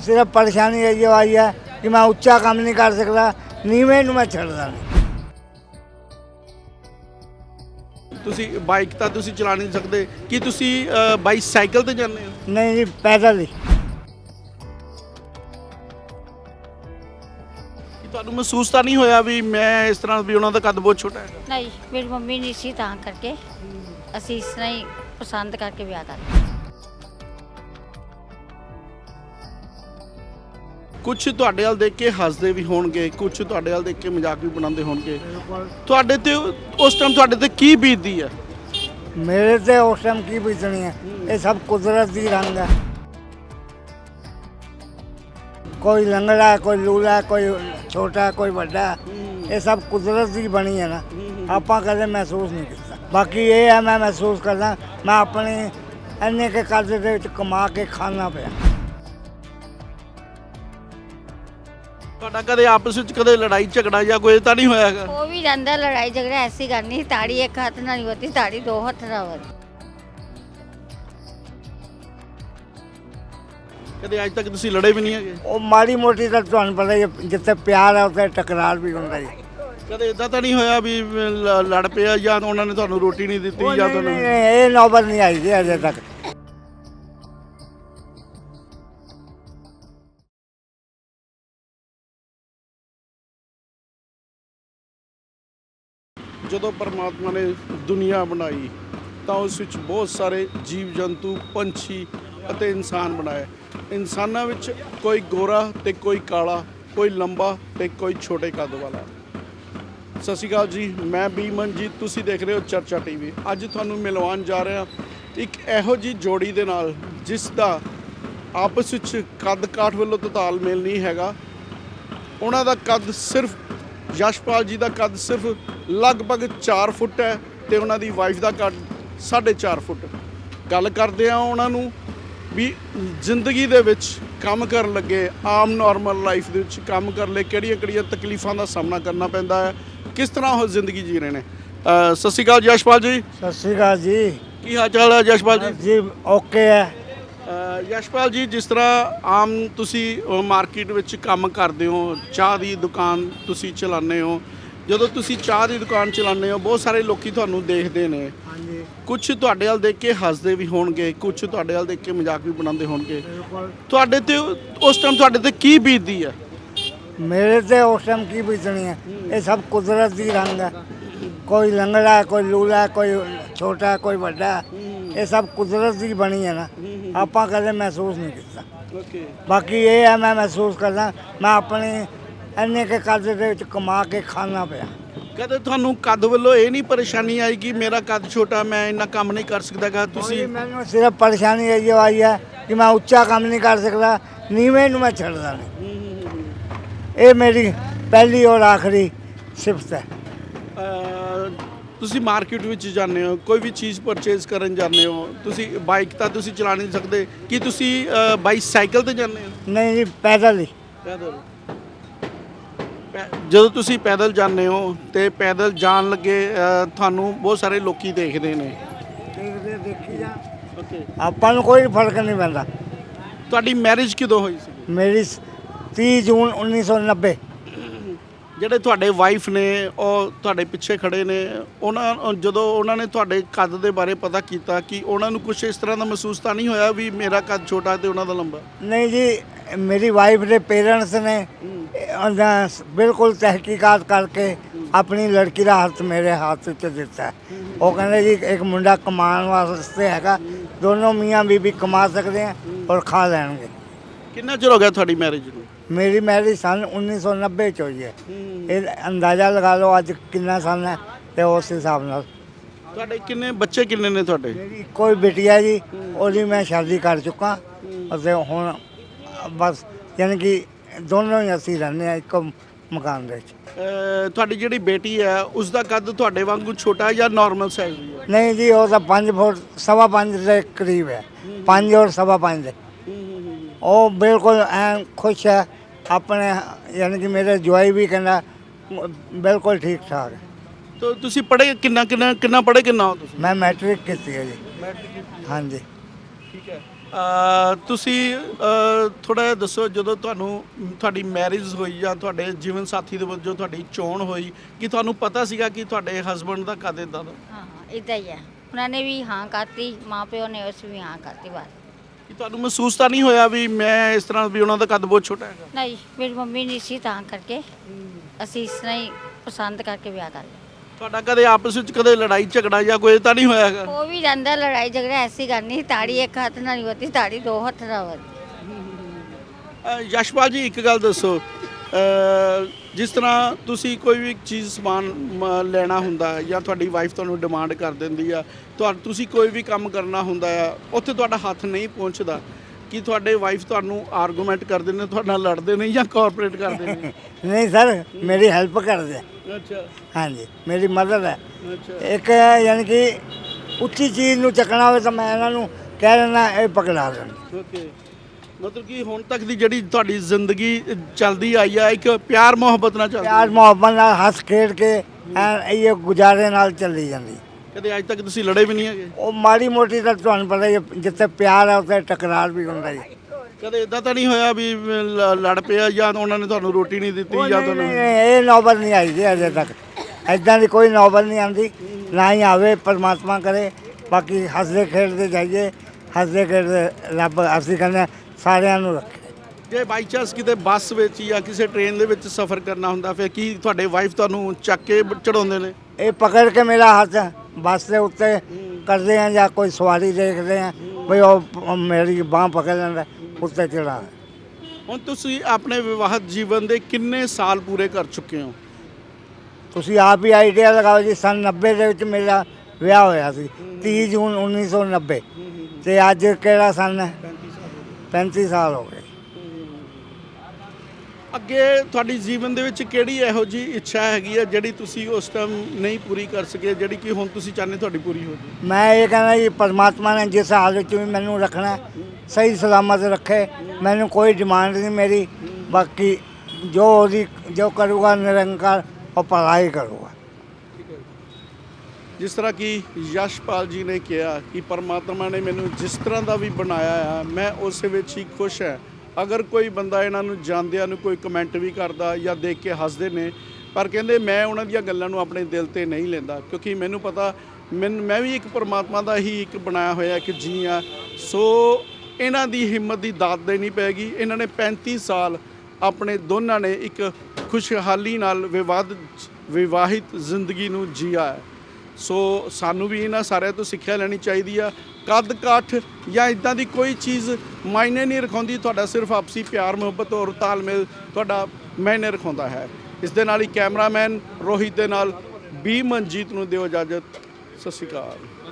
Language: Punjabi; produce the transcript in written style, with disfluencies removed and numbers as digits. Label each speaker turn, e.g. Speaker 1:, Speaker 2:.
Speaker 1: सिर्फ परेशानी ये आई है कि मैं उच्चा काम नहीं कर सकता, नीवे नूं मैं छड्डदा नहीं।
Speaker 2: ਤੁਸੀਂ ਬਾਈਕ ਤਾਂ ਤੁਸੀਂ ਚਲਾ ਨਹੀਂ ਸਕਦੇ, ਕੀ ਤੁਸੀਂ ਬਾਈਸਾਈਕਲ ਤੇ ਜਾਂਦੇ ਹੋ?
Speaker 1: नहीं जी, पैदल ही।
Speaker 2: ਕੀ ਤੁਹਾਨੂੰ ਮਹਿਸੂਸ ਤਾਂ ਨਹੀਂ ਹੋਇਆ ਵੀ ਮੈਂ ਇਸ ਤਰ੍ਹਾਂ ਵੀ ਉਹਨਾਂ ਦਾ ਕੱਦ ਬਹੁਤ ਛੋਟਾ ਹੈ?
Speaker 3: ਨਹੀਂ, ਮੇਰੀ ਮੰਮੀ ਨਹੀਂ ਸੀ ਤਾਂ ਕਰਕੇ ਅਸੀਂ ਇਸ ਤਰ੍ਹਾਂ ਹੀ ਪਸੰਦ ਕਰਕੇ ਵਿਆਹ ਕਰ ਲਿਆ।
Speaker 2: ਕੁਝ ਤੁਹਾਡੇ ਵੱਲ ਦੇਖ ਕੇ ਹੱਸਦੇ ਵੀ ਹੋਣਗੇ, ਕੁਝ ਤੁਹਾਡੇ ਵੱਲ ਦੇਖ ਕੇ ਮਜ਼ਾਕ ਵੀ ਬਣਾਉਂਦੇ ਹੋਣਗੇ। ਤੁਹਾਡੇ ਤੇ ਉਸ ਟਾਈਮ ਤੁਹਾਡੇ ਤੇ ਕੀ ਬੀਤਦੀ ਹੈ?
Speaker 1: मेरे से उस टाइम की बीतनी है, ये सब कुदरत की रंग है। कोई लंगड़ा है, कोई लूला है, कोई छोटा है, कोई बड़ा है, ये सब कुदरत की बनी है ना, आपां कदे महसूस नहीं किया। बाकी ये है मैं महसूस करदा मैं अपने इन्ने के कर्ज दे विच कमा के खाना पिया।
Speaker 2: ਤੁਹਾਡਾ ਕਦੇ ਆਪਸ ਵਿੱਚ ਕਦੇ ਲੜਾਈ ਝਗੜਾ ਜਾਂ ਕੋਈ ਤਾਂ ਨਹੀਂ ਹੋਇਆ ਹੈਗਾ?
Speaker 3: ਉਹ ਵੀ ਜਾਂਦਾ ਲੜਾਈ ਝਗੜਾ ਐਸੀ ਕਰਨੀ, ਤਾੜੀ ਇੱਕ ਹੱਥ ਨਾਲ ਨਹੀਂ ਵੱਧਦੀ, ਤਾੜੀ ਦੋ ਹੱਥ ਨਾਲ ਵੱਧਦੀ।
Speaker 2: ਕਦੇ ਅੱਜ ਤੱਕ ਤੁਸੀਂ ਲੜੇ ਵੀ ਨਹੀਂ ਹੈਗੇ?
Speaker 1: ਉਹ ਮਾੜੀ ਮੋਟੀ ਤਾਂ ਤੁਹਾਨੂੰ ਪਤਾ ਹੀ ਹੈ, ਜਿੱਥੇ ਪਿਆਰ ਹੈ ਉੱਥੇ ਟਕਰਾਰ ਵੀ ਹੁੰਦਾ ਜੀ।
Speaker 2: ਕਦੇ ਇਦਾਂ ਤਾਂ ਨਹੀਂ ਹੋਇਆ ਵੀ ਲੜ ਪਿਆ ਜਾਂ ਉਹਨਾਂ ਨੇ ਤੁਹਾਨੂੰ ਰੋਟੀ ਨਹੀਂ ਦਿੱਤੀ ਜਾਂ ਤੁਹਾਨੂੰ?
Speaker 1: ਨਹੀਂ, ਇਹ ਨੌਬਤ ਨਹੀਂ ਆਈ ਜੀ ਅਜੇ ਤੱਕ।
Speaker 2: ਜਦੋਂ ਪਰਮਾਤਮਾ ਨੇ ਦੁਨੀਆ ਬਣਾਈ ਤਾਂ ਉਸ ਵਿੱਚ ਬਹੁਤ ਸਾਰੇ ਜੀਵ ਜੰਤੂ, ਪੰਛੀ ਅਤੇ ਇਨਸਾਨ ਬਣਾਏ। ਇਨਸਾਨਾਂ ਵਿੱਚ ਕੋਈ ਗੋਰਾ ਤੇ ਕੋਈ ਕਾਲਾ, ਕੋਈ ਲੰਬਾ ਤੇ ਕੋਈ ਛੋਟੇ ਕੱਦ ਵਾਲਾ। ਸਤਿ ਸ਼੍ਰੀ ਅਕਾਲ ਜੀ, ਮੈਂ ਬੀ ਮਨਜੀਤ, ਤੁਸੀਂ ਦੇਖ ਰਹੇ ਹੋ ਚਰਚਾ ਟੀਵੀ। ਅੱਜ ਤੁਹਾਨੂੰ ਮਿਲਵਾਉਣ ਜਾ ਰਿਹਾ ਇੱਕ ਇਹੋ ਜਿਹੀ ਜੋੜੀ ਦੇ ਨਾਲ ਜਿਸ ਦਾ ਆਪਸ ਵਿੱਚ ਕੱਦ ਕਾਠ ਵੱਲੋਂ ਤਾਂ ਤਾਲਮੇਲ ਨਹੀਂ ਹੈਗਾ। ਉਹਨਾਂ ਦਾ ਕੱਦ ਸਿਰਫ ਯਸ਼ਪਾਲ ਜੀ ਦਾ ਕੱਦ ਸਿਰਫ ਲਗਭਗ 4 ਫੁੱਟ ਹੈ ਤੇ ਉਹਨਾਂ ਦੀ ਵਾਈਫ ਦਾ ਕੱਦ 4.5 ਫੁੱਟ। ਗੱਲ ਕਰਦੇ ਆ ਉਹਨਾਂ ਨੂੰ ਵੀ ਜ਼ਿੰਦਗੀ ਦੇ ਵਿੱਚ ਕੰਮ ਕਰਨ ਲੱਗੇ, ਆਮ ਨਾਰਮਲ ਲਾਈਫ ਦੇ ਵਿੱਚ ਕੰਮ ਕਰਨ ਲਈ ਕਿਹੜੀਆਂ ਤਕਲੀਫਾਂ ਦਾ ਸਾਹਮਣਾ ਕਰਨਾ ਪੈਂਦਾ ਹੈ, ਕਿਸ ਤਰ੍ਹਾਂ ਉਹ ਜ਼ਿੰਦਗੀ ਜੀ ਰਹੇ ਨੇ। ਸਤਿ ਸ਼੍ਰੀ ਅਕਾਲ ਯਸ਼ਪਾਲ ਜੀ।
Speaker 1: ਸਤਿ ਸ਼੍ਰੀ ਅਕਾਲ ਜੀ।
Speaker 2: ਕੀ ਹਾਲ ਚਾਲ ਹੈ ਯਸ਼ਪਾਲ ਜੀ?
Speaker 1: ਜੀ ਓਕੇ ਹੈ।
Speaker 2: ਯਸ਼ਪਾਲ ਜੀ, ਜਿਸ ਤਰ੍ਹਾਂ ਆਮ ਤੁਸੀਂ ਮਾਰਕੀਟ ਵਿੱਚ ਕੰਮ ਕਰਦੇ ਹੋ, ਚਾਹ ਦੀ ਦੁਕਾਨ ਤੁਸੀਂ ਚਲਾਉਂਦੇ ਹੋ, ਜਦੋਂ ਤੁਸੀਂ ਚਾਹ ਦੀ ਦੁਕਾਨ ਚਲਾਉਂਦੇ ਹੋ ਬਹੁਤ ਸਾਰੇ ਲੋਕੀ ਤੁਹਾਨੂੰ ਦੇਖਦੇ ਨੇ।
Speaker 1: ਹਾਂਜੀ,
Speaker 2: ਕੁਝ ਤੁਹਾਡੇ ਵੱਲ ਦੇਖ ਕੇ ਹੱਸਦੇ ਵੀ ਹੋਣਗੇ, ਕੁਝ ਤੁਹਾਡੇ ਵੱਲ ਦੇਖ ਕੇ ਮਜ਼ਾਕ ਵੀ ਬਣਾਉਂਦੇ ਹੋਣਗੇ। ਤੁਹਾਡੇ ਤੇ ਉਸ ਟਾਈਮ ਤੁਹਾਡੇ ਤੇ ਕੀ ਬੀਤਦੀ ਹੈ?
Speaker 1: मेरे से उस टाइम की बीतनी है, ये सब कुदरत की रंग है। कोई लंगड़ा है, कोई लूला है, कोई छोटा है, कोई बड़ा है, ये सब कुदरत की बनी है ना, आपां कदे महसूस नहीं किया।
Speaker 2: ਓਕੇ।
Speaker 1: बाकी ये है मैं महसूस करदा मैं अपने इन्ने के कर्ज दे विच कमा के खाना पिया।
Speaker 2: ਕਦੇ ਤੁਹਾਨੂੰ ਕੱਦ ਵੱਲੋਂ ਇਹ ਨਹੀਂ ਪਰੇਸ਼ਾਨੀ ਆਈ ਕਿ ਮੇਰਾ ਕੱਦ ਛੋਟਾ, ਮੈਂ ਇੰਨਾ ਕੰਮ ਨਹੀਂ ਕਰ ਸਕਦਾਗਾ? ਤੁਸੀਂ
Speaker 1: मैनू सिर्फ परेशानी ये आई है कि मैं उच्चा काम नहीं कर सकता, नीवे नूं मैं छड्डदा नहीं। ये मेरी पहली और आखिरी सिफत है।
Speaker 2: ਤੁਸੀਂ ਮਾਰਕੀਟ ਵਿੱਚ ਜਾਂਦੇ ਹੋ, ਕੋਈ ਵੀ ਚੀਜ਼ ਪਰਚੇਜ਼ ਕਰਨ ਜਾਂਦੇ ਹੋ, ਤੁਸੀਂ ਬਾਈਕ ਤਾਂ ਤੁਸੀਂ ਚਲਾ ਨਹੀਂ ਸਕਦੇ, ਕੀ ਤੁਸੀਂ ਬਾਈਸਾਈਕਲ ਤੇ ਜਾਂਦੇ ਹੋ?
Speaker 1: नहीं जी, पैदल ही।
Speaker 2: ਪੈਦਲ। ਜਦੋਂ ਤੁਸੀਂ ਪੈਦਲ ਜਾਂਦੇ ਹੋ ਤੇ ਪੈਦਲ ਜਾਣ ਲੱਗੇ ਤੁਹਾਨੂੰ ਬਹੁਤ ਸਾਰੇ ਲੋਕੀ ਦੇਖਦੇ ਨੇ।
Speaker 1: देखी जा
Speaker 2: ਓਕੇ।
Speaker 1: ਆਪਾਂ ਨੂੰ ਕੋਈ ਫਰਕ ਨਹੀਂ ਪੈਂਦਾ।
Speaker 2: ਤੁਹਾਡੀ ਮੈਰਿਜ ਕਦੋਂ ਹੋਈ ਸੀ?
Speaker 1: ਮੇਰੀ 30 ਜੂਨ 1990।
Speaker 2: ਜਿਹੜੇ ਤੁਹਾਡੇ ਵਾਈਫ ਨੇ ਉਹ ਤੁਹਾਡੇ ਪਿੱਛੇ ਖੜੇ ਨੇ, ਜਦੋਂ ਉਹਨਾਂ ਨੇ ਤੁਹਾਡੇ ਕੱਦ ਦੇ ਬਾਰੇ ਪਤਾ ਕੀਤਾ ਕਿ ਉਹਨਾਂ ਨੂੰ ਕੁਝ ਇਸ ਤਰ੍ਹਾਂ ਦਾ ਮਹਿਸੂਸ ਤਾਂ ਨਹੀਂ ਹੋਇਆ ਵੀ ਮੇਰਾ ਕੱਦ ਛੋਟਾ ਤੇ ਉਹਨਾਂ ਦਾ ਲੰਬਾ?
Speaker 1: ਨਹੀਂ ਜੀ, ਮੇਰੀ ਵਾਈਫ ਦੇ ਪੇਰੈਂਟਸ ਨੇ ਬਿਲਕੁਲ ਤਹਿਕੀਕਾਤ ਕਰਕੇ ਆਪਣੀ ਲੜਕੀ ਦਾ ਹੱਥ ਮੇਰੇ ਹੱਥ 'ਚ ਦਿੱਤਾ। ਉਹ ਕਹਿੰਦੇ ਜੀ ਇੱਕ ਮੁੰਡਾ ਕਮਾਉਣ ਵਾਸਤੇ ਹੈਗਾ, ਦੋਨੋਂ ਮੀਆਂ ਬੀਬੀ ਕਮਾ ਸਕਦੇ ਆ ਔਰ ਖਾ ਲੈਣਗੇ।
Speaker 2: ਕਿੰਨਾ ਚਿਰ ਹੋ ਗਿਆ ਤੁਹਾਡੀ ਮੈਰਿਜ ਨੂੰ?
Speaker 1: ਮੇਰੀ ਮੈਰਿਜ ਸਨ 1990 ਚ ਹੋਈ ਹੈ। ਇਹ ਅੰਦਾਜ਼ਾ ਲਗਾ ਲਓ ਅੱਜ ਕਿੰਨਾ ਸਾਲ ਹੈ ਤੇ ਉਸ ਹਿਸਾਬ ਨਾਲ।
Speaker 2: ਤੁਹਾਡੇ ਕਿੰਨੇ ਬੱਚੇ ਕਿੰਨੇ ਨੇ ਤੁਹਾਡੇ?
Speaker 1: ਮੇਰੀ ਇੱਕੋ ਹੀ ਬੇਟੀ ਹੈ ਜੀ, ਉਹਦੀ ਮੈਂ ਸ਼ਾਦੀ ਕਰ ਚੁੱਕਾ ਅਤੇ ਹੁਣ ਬਸ ਯਾਨੀ ਕਿ ਦੋਨੋਂ ਹੀ ਅਸੀਂ ਰਹਿੰਦੇ ਹਾਂ ਇੱਕ ਮਕਾਨ ਦੇ ਵਿੱਚ।
Speaker 2: ਤੁਹਾਡੀ ਜਿਹੜੀ ਬੇਟੀ ਹੈ ਉਸ ਦਾ ਕੱਦ ਤੁਹਾਡੇ ਵਾਂਗੂ ਛੋਟਾ ਹੈ ਜਾਂ ਨਾਰਮਲ ਸਾਈਜ਼ ਦੀ ਹੈ?
Speaker 1: ਨਹੀਂ ਜੀ, ਉਹ ਤਾਂ 5 ਫੁੱਟ 5.25 ਦੇ ਕਰੀਬ ਹੈ, 5 ਔਰ 5.25 ਦੇ। ਉਹ ਬਿਲਕੁਲ ਐਂ ਖੁਸ਼ ਹੈ ਆਪਣੇ, ਯਾਨੀ ਕਿ ਮੇਰੇ ਜਵਾਈ ਵੀ ਕਹਿੰਦਾ ਬਿਲਕੁਲ ਠੀਕ ਠਾਕ ਹੈ।
Speaker 2: ਤਾਂ ਤੁਸੀਂ ਪੜ੍ਹੇ ਕਿੰਨਾ ਪੜ੍ਹੇ ਕਿੰਨਾ ਹੋ ਤੁਸੀਂ?
Speaker 1: ਮੈਂ ਮੈਟ੍ਰਿਕ ਕੀਤੀ ਹੈ ਜੀ।
Speaker 2: ਮੈਟ੍ਰਿਕ।
Speaker 1: ਹਾਂਜੀ।
Speaker 2: ਠੀਕ ਹੈ। ਤੁਸੀਂ ਥੋੜਾ ਜਿਹਾ ਦੱਸੋ, ਜਦੋਂ ਤੁਹਾਡੀ ਮੈਰਿਜ ਹੋਈ ਜਾਂ ਤੁਹਾਡੇ ਜੀਵਨ ਸਾਥੀ ਦੇ ਵਜੋਂ ਤੁਹਾਡੀ ਚੋਣ ਹੋਈ, ਕਿ ਤੁਹਾਨੂੰ ਪਤਾ ਸੀਗਾ ਕਿ ਤੁਹਾਡੇ ਹਸਬੰਡ ਦਾ ਕਦ ਇੱਦਾਂ ਦਾ?
Speaker 3: ਹਾਂ ਇਦਾਂ ਹੀ ਹੈ, ਉਹਨਾਂ ਨੇ ਵੀ ਹਾਂ ਕਰਤੀ, ਮਾਂ ਪਿਓ ਨੇ ਉਸ ਵੀ ਹਾਂ ਕਰਤੀ ਬਸ।
Speaker 2: ਕਿ ਤੁਹਾਨੂੰ ਮਹਿਸੂਸ ਤਾਂ ਨਹੀਂ ਹੋਇਆ ਵੀ ਮੈਂ ਇਸ ਤਰ੍ਹਾਂ ਵੀ ਉਹਨਾਂ ਦਾ ਕੱਦ ਬਹੁਤ ਛੋਟਾ ਹੈਗਾ?
Speaker 3: ਨਹੀਂ, ਮੇਰੀ ਮੰਮੀ ਨਹੀਂ ਸੀ ਤਾਂ ਕਰਕੇ ਅਸੀਂ ਇਸ ਤਰ੍ਹਾਂ ਹੀ ਪਸੰਦ ਕਰਕੇ ਵਿਆਹ ਕਰ ਲਿਆ।
Speaker 2: ਤੁਹਾਡਾ ਕਦੇ ਆਪਸ ਵਿੱਚ ਕਦੇ ਲੜਾਈ ਝਗੜਾ ਜਾਂ ਕੋਈ ਤਾਂ ਨਹੀਂ ਹੋਇਆ ਹੈਗਾ?
Speaker 3: ਹੋ ਵੀ ਜਾਂਦਾ ਲੜਾਈ ਝਗੜਾ, ਐਸੀ ਗੱਲ ਨਹੀਂ, ਤਾੜੀ ਇੱਕ ਹੱਥ ਨਾਲ ਨਹੀਂ ਹੋਤੀ, ਤਾੜੀ ਦੋ ਹੱਥ ਨਾਲ ਹੋਤੀ।
Speaker 2: ਯਸ਼ਪਾਲ ਜੀ, ਇੱਕ ਗੱਲ ਦੱਸੋ, ਜਿਸ ਤਰ੍ਹਾਂ ਤੁਸੀਂ ਕੋਈ ਵੀ ਚੀਜ਼ ਸਮਾਨ ਲੈਣਾ ਹੁੰਦਾ ਹੈ ਜਾਂ ਤੁਹਾਡੀ ਵਾਈਫ ਤੁਹਾਨੂੰ ਡਿਮਾਂਡ ਕਰ ਦਿੰਦੀ ਆ, ਤੁਸੀਂ ਕੋਈ ਵੀ ਕੰਮ ਕਰਨਾ ਹੁੰਦਾ ਆ, ਉੱਥੇ ਤੁਹਾਡਾ ਹੱਥ ਨਹੀਂ ਪਹੁੰਚਦਾ, ਕਿ ਤੁਹਾਡੇ ਵਾਈਫ ਤੁਹਾਨੂੰ ਆਰਗੂਮੈਂਟ ਕਰਦੇ ਨੇ, ਤੁਹਾਡੇ ਨਾਲ ਲੜਦੇ ਨੇ ਜਾਂ ਕੋਆਪਰੇਟ ਕਰਦੇ ਨੇ?
Speaker 1: ਨਹੀਂ ਸਰ, ਮੇਰੀ ਹੈਲਪ ਕਰਦੇ।
Speaker 2: ਅੱਛਾ
Speaker 1: ਹਾਂਜੀ, ਮੇਰੀ ਮਦਦ ਹੈ।
Speaker 2: ਅੱਛਾ
Speaker 1: ਇੱਕ ਯਾਨੀ ਕਿ ਉੱਚੀ ਚੀਜ਼ ਨੂੰ ਚੱਕਣਾ ਹੋਵੇ ਤਾਂ ਮੈਂ ਇਹਨਾਂ ਨੂੰ ਕਹਿ ਦਿੰਦਾ ਇਹ ਪਕੜਾ ਦੇਣ।
Speaker 2: ਓਕੇ, ਮਤਲਬ ਕਿ ਹੁਣ ਤੱਕ ਦੀ ਜਿਹੜੀ ਤੁਹਾਡੀ ਜ਼ਿੰਦਗੀ ਚੱਲਦੀ ਆਈ ਆ, ਇੱਕ ਪਿਆਰ ਮੁਹੱਬਤ ਨਾਲ ਚੱਲਦੀ
Speaker 1: ਪਿਆਰ ਮੁਹੱਬਤ ਨਾਲ ਹੱਸ ਖੇਡ ਕੇ ਇਹ ਗੁਜ਼ਾਰੇ ਨਾਲ ਚੱਲੀ ਜਾਂਦੀ।
Speaker 2: ਕਦੇ ਅੱਜ ਤੱਕ ਤੁਸੀਂ ਲੜੇ ਵੀ ਨਹੀਂ ਹੈਗੇ?
Speaker 1: ਉਹ ਮਾੜੀ ਮੋਟੀ ਤਾਂ ਤੁਹਾਨੂੰ ਪਤਾ ਹੀ ਹੈ, ਜਿੱਥੇ ਪਿਆਰ ਹੈ ਉੱਥੇ ਟਕਰਾਰ ਵੀ ਹੁੰਦਾ ਜੀ।
Speaker 2: ਕਦੇ ਇਦਾਂ ਤਾਂ ਨਹੀਂ ਹੋਇਆ ਵੀ ਲੜ ਪਿਆ ਜਾਂ ਉਹਨਾਂ ਨੇ ਤੁਹਾਨੂੰ ਰੋਟੀ ਨਹੀਂ ਦਿੱਤੀ ਜਾਂ
Speaker 1: ਨਹੀਂ,
Speaker 2: ਤੁਹਾਨੂੰ?
Speaker 1: ਇਹ ਨੌਬਤ ਨਹੀਂ ਆਈ ਜੀ ਅਜੇ ਤੱਕ, ਐਦਾਂ ਦੀ ਕੋਈ ਨੌਬਤ ਨਹੀਂ ਆਉਂਦੀ, ਨਾ ਹੀ ਆਵੇ, ਪਰਮਾਤਮਾ ਕਰੇ। ਬਾਕੀ ਹੱਸਦੇ ਖੇਡਦੇ ਜਾਈਏ, ਹੱਸਦੇ ਖੇਡਦੇ ਰੱਬ ਅਸੀਂ ਕਹਿੰਦੇ ਸਾਰਿਆਂ ਨੂੰ ਰੱਖੇ।
Speaker 2: ਜੇ ਬਾਈ ਚਾਂਸ ਕਿਤੇ ਬੱਸ ਵਿੱਚ ਜਾਂ ਕਿਸੇ ਟ੍ਰੇਨ ਦੇ ਵਿੱਚ ਸਫ਼ਰ ਕਰਨਾ ਹੁੰਦਾ, ਫਿਰ ਕੀ ਤੁਹਾਡੇ ਵਾਈਫ ਤੁਹਾਨੂੰ ਚੱਕ ਕੇ ਚੜਾਉਂਦੇ ਨੇ?
Speaker 1: ਇਹ ਪਕੜ ਕੇ ਮੇਰਾ ਹੱਥ ਬੱਸ ਦੇ ਉੱਤੇ ਕਰਦੇ ਆ ਜਾਂ ਕੋਈ ਸਵਾਰੀ ਦੇਖਦੇ ਆ ਬਈ ਉਹ ਮੇਰੀ ਬਾਂਹ ਪਕੜ ਲੈਂਦਾ, ਉੱਤੇ ਚੜਾ।
Speaker 2: ਹੁਣ ਤੁਸੀਂ ਆਪਣੇ ਵਿਵਾਹਿਤ ਜੀਵਨ ਦੇ ਕਿੰਨੇ ਸਾਲ ਪੂਰੇ ਕਰ ਚੁੱਕੇ ਹੋ?
Speaker 1: ਤੁਸੀਂ ਆਪ ਹੀ ਆਈਡੀਆ ਲਗਾਓ ਜੀ। ਸੰਨ 90 ਦੇ ਵਿੱਚ ਮੇਰਾ ਵਿਆਹ ਹੋਇਆ ਸੀ, 30 ਜੂਨ 1990, ਤੇ ਅੱਜ ਕਿਹੜਾ ਸੰਨ ਹੈ? 35 ਸਾਲ ਹੋ ਗਏ।
Speaker 2: ਅੱਗੇ ਤੁਹਾਡੀ ਜੀਵਨ ਦੇ ਵਿੱਚ ਕਿਹੜੀ ਇਹੋ ਜੀ ਇੱਛਾ ਹੈਗੀ ਹੈ ਜਿਹੜੀ ਤੁਸੀਂ ਉਸ ਟਾਈਮ ਨਹੀਂ ਪੂਰੀ ਕਰ ਸਕੇ, ਜਿਹੜੀ ਕਿ ਹੁਣ ਤੁਸੀਂ ਚਾਹੁੰਦੇ ਤੁਹਾਡੀ ਪੂਰੀ ਹੋ ਜਾਵੇ?
Speaker 1: ਮੈਂ ਇਹ ਕਹਿੰਦਾ ਜੀ, ਪਰਮਾਤਮਾ ਨੇ ਜਿਸ ਹਾਲ ਵਿੱਚ ਵੀ ਮੈਨੂੰ ਰੱਖਣਾ, ਸਹੀ ਸਲਾਮਤ ਰੱਖੇ। ਮੈਨੂੰ ਕੋਈ ਡਿਮਾਂਡ ਨਹੀਂ ਮੇਰੀ, ਬਾਕੀ ਜੋ ਕਰੂਗਾ ਨਿਰੰਕਾਰ ਉਹ ਭਲਾ ਹੀ ਕਰੂਗਾ।
Speaker 2: ਜਿਸ ਤਰ੍ਹਾਂ ਕਿ ਯਸ਼ਪਾਲ ਜੀ ਨੇ ਕਿਹਾ ਕਿ ਪਰਮਾਤਮਾ ਨੇ ਮੈਨੂੰ ਜਿਸ ਤਰ੍ਹਾਂ ਦਾ ਵੀ ਬਣਾਇਆ ਆ, ਮੈਂ ਉਸ ਵਿੱਚ ਹੀ ਖੁਸ਼ ਹਾਂ। ਅਗਰ ਕੋਈ ਬੰਦਾ ਇਹਨਾਂ ਨੂੰ ਜਾਣਦਿਆਂ ਨੂੰ ਕੋਈ ਕਮੈਂਟ ਵੀ ਕਰਦਾ ਜਾਂ ਦੇਖ ਕੇ ਹੱਸਦੇ ਨੇ, ਪਰ ਕਹਿੰਦੇ ਮੈਂ ਉਹਨਾਂ ਦੀਆਂ ਗੱਲਾਂ ਨੂੰ ਆਪਣੇ ਦਿਲ ਤੇ ਨਹੀਂ ਲੈਂਦਾ, ਕਿਉਂਕਿ ਮੈਨੂੰ ਪਤਾ ਮੈਂ ਵੀ ਇੱਕ ਪਰਮਾਤਮਾ ਦਾ ਹੀ ਇੱਕ ਬਣਾਇਆ ਹੋਇਆ ਇੱਕ ਜੀ ਆ। ਸੋ ਇਹਨਾਂ ਦੀ ਹਿੰਮਤ ਦੀ ਦਾਤ ਦੇਣੀ ਪੈਗੀ। ਇਹਨਾਂ ਨੇ 35 ਸਾਲ ਆਪਣੇ ਦੋਨਾਂ ਨੇ ਇੱਕ ਖੁਸ਼ਹਾਲੀ ਨਾਲ ਵਿਵਾਹਿਤ ਜ਼ਿੰਦਗੀ ਨੂੰ ਜੀਆ ਹੈ। ਸੋ ਸਾਨੂੰ ਵੀ ਇਹਨਾਂ ਸਾਰਿਆਂ ਤੋਂ ਸਿੱਖਿਆ ਲੈਣੀ ਚਾਹੀਦੀ ਆ। ਕੱਦ ਕਾਠ ਜਾਂ ਇੱਦਾਂ ਦੀ ਕੋਈ ਚੀਜ਼ ਮਾਇਨੇ ਨਹੀਂ ਰਖਾਉਂਦੀ, ਤੁਹਾਡਾ ਸਿਰਫ ਆਪਸੀ ਪਿਆਰ ਮੁਹੱਬਤ ਔਰ ਤਾਲਮੇਲ ਤੁਹਾਡਾ ਮਾਇਨੇ ਰਖਾਉਂਦਾ ਹੈ। ਇਸ ਦੇ ਨਾਲ ਹੀ ਕੈਮਰਾਮੈਨ ਰੋਹਿਤ ਦੇ ਨਾਲ ਬੀ ਮਨਜੀਤ ਨੂੰ ਦਿਓ ਇਜਾਜ਼ਤ। ਸਤਿ ਸ਼੍ਰੀ ਅਕਾਲ।